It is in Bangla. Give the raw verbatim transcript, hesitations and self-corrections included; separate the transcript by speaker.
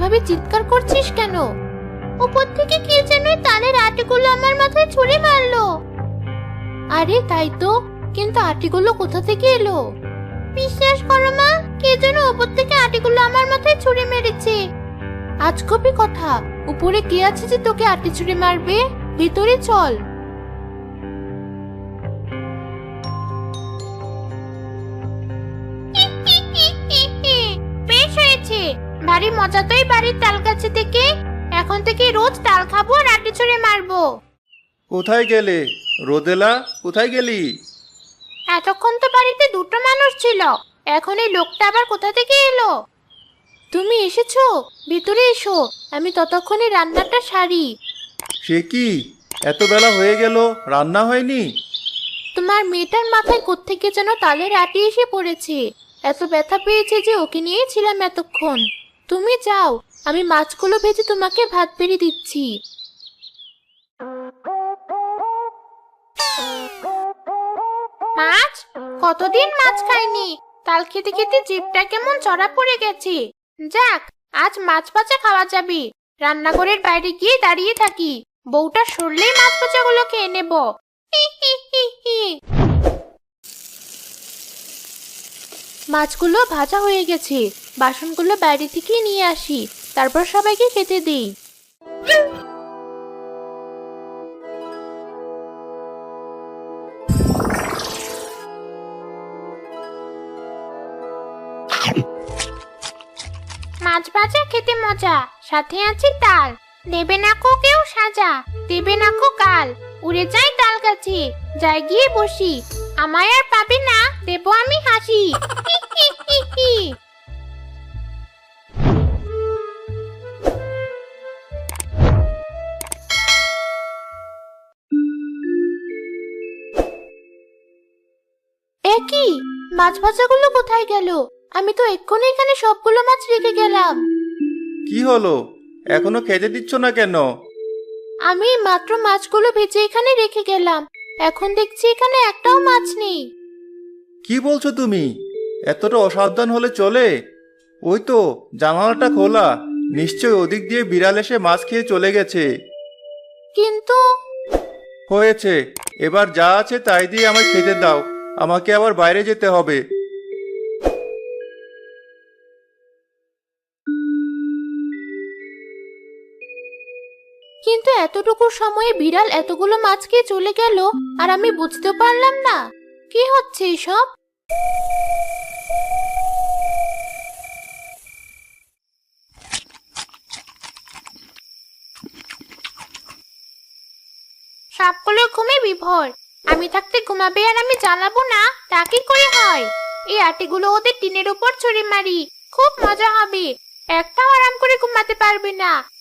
Speaker 1: এভাবে চিৎকার করছিস কেন? উপর থেকে কে যেন এই তালের আটিগুলো আমার মাথায় ছুঁড়ে মারলো। আরে তাই তো, কিন্তু আটিগুলো কোথা থেকে এলো? বিশ্বাস করো মা, কে যেন উপর থেকে আটিগুলো আমার মাথায় ছুঁড়ে মেরেছে। আজগবি কথা, উপরে কে আছে যে তোকে আটি ছুঁড়ে মারবে? ভিতরে চল। বেশ হয়েছে, ভারী মজা তো এই বাড়ির তাল গাছে থেকে। এখন থেকে রোজ তাল খাবো আর আটি ছুঁড়ে মারবো।
Speaker 2: কোথায় গেলে রোদেলা? কোথায় গেলি?
Speaker 1: এতক্ষণ তো বাড়িতে দুটো মানুষ ছিল, এখন এই লোকটা আবার কোথা থেকে এলো? তুমি এসেছো, ভিতরে এসো, আমি ততক্ষণে রান্নাটা সারি।
Speaker 2: সে কি, এত বেলা হয়ে গেল, রান্না হয়নি?
Speaker 1: তোমার মেয়েটার মাথায় কোত্থেকে যেন তালের আটি এসে পড়েছে, এত ব্যথা পেয়েছে যে ওকে নিয়েই ছিলাম এতক্ষণ। তুমি যাও, আমি মাছগুলো ভেজে তোমাকে ভাত বেড়ে দিচ্ছি। মাছ? কতদিন মাছ খাইনি, তাল খেতে খেতে জিভটা কেমন চড়া পড়ে গেছে। যাক, আজ মাছ ভাজা খাওয়া যাবে। রান্নাঘরের বাইরে গিয়ে দাঁড়িয়ে থাকি, বউটা সরলেই মাছ ভাজাগুলো খেয়ে নেব। হি হি হি হি। মাছগুলো ভাজা হয়ে গেছে, বাসনগুলো বাইরে থেকে নিয়ে আসি, তারপর সবাইকে খেতে দিই। মাছ ভাজা খেতে মজা, সাথে আছে তাল। দেবে না কো কেউ সাজা, দেবে না কো কাল। উড়ে যাই তাল গাছে, যাই গিয়ে বসি। আমায় আর পাবে না, দেবো আমি হাসি। হি হি হি হি। এ কি, মাছ ভাজাগুলো কোথায় গেল? আমি তো এক্ষুনি এখানে সবগুলো মাছ রেখে গেলাম।
Speaker 2: কি হলো, এখনো খেতে দিচ্ছ না কেন?
Speaker 1: আমি মাত্র মাছগুলো ভেজে এখানে রেখে গেলাম, এখন দেখছি এখানে একটাও মাছ নেই।
Speaker 2: কি বলছো তুমি? এতটা অসাবধান হলে চলে? ওই তো জানালাটা খোলা, নিশ্চয় ওদিক দিয়ে বিড়াল এসে মাছ খেয়ে চলে গেছে।
Speaker 1: কিন্তু
Speaker 2: হয়েছে, এবার যা আছে তাই দিয়ে আমায় খেতে দাও, আমাকে আবার বাইরে যেতে হবে।
Speaker 1: কিন্তু এতটুকু সময়ে বিড়াল এতগুলো মাছ খেয়ে চলে গেল, আর আমি বুঝতে পারলাম না কি হচ্ছে এসব। সবগুলো ঘুমে বিভোর, আমি থাকতে ঘুমাবে আর আমি জ্বালাবো না, তা কি করে হয়? এই আটিগুলো ওদের টিনের উপর ছুঁড়ে মারি, খুব মজা হবে। একটাও আরাম করে ঘুমাতে পারবে না।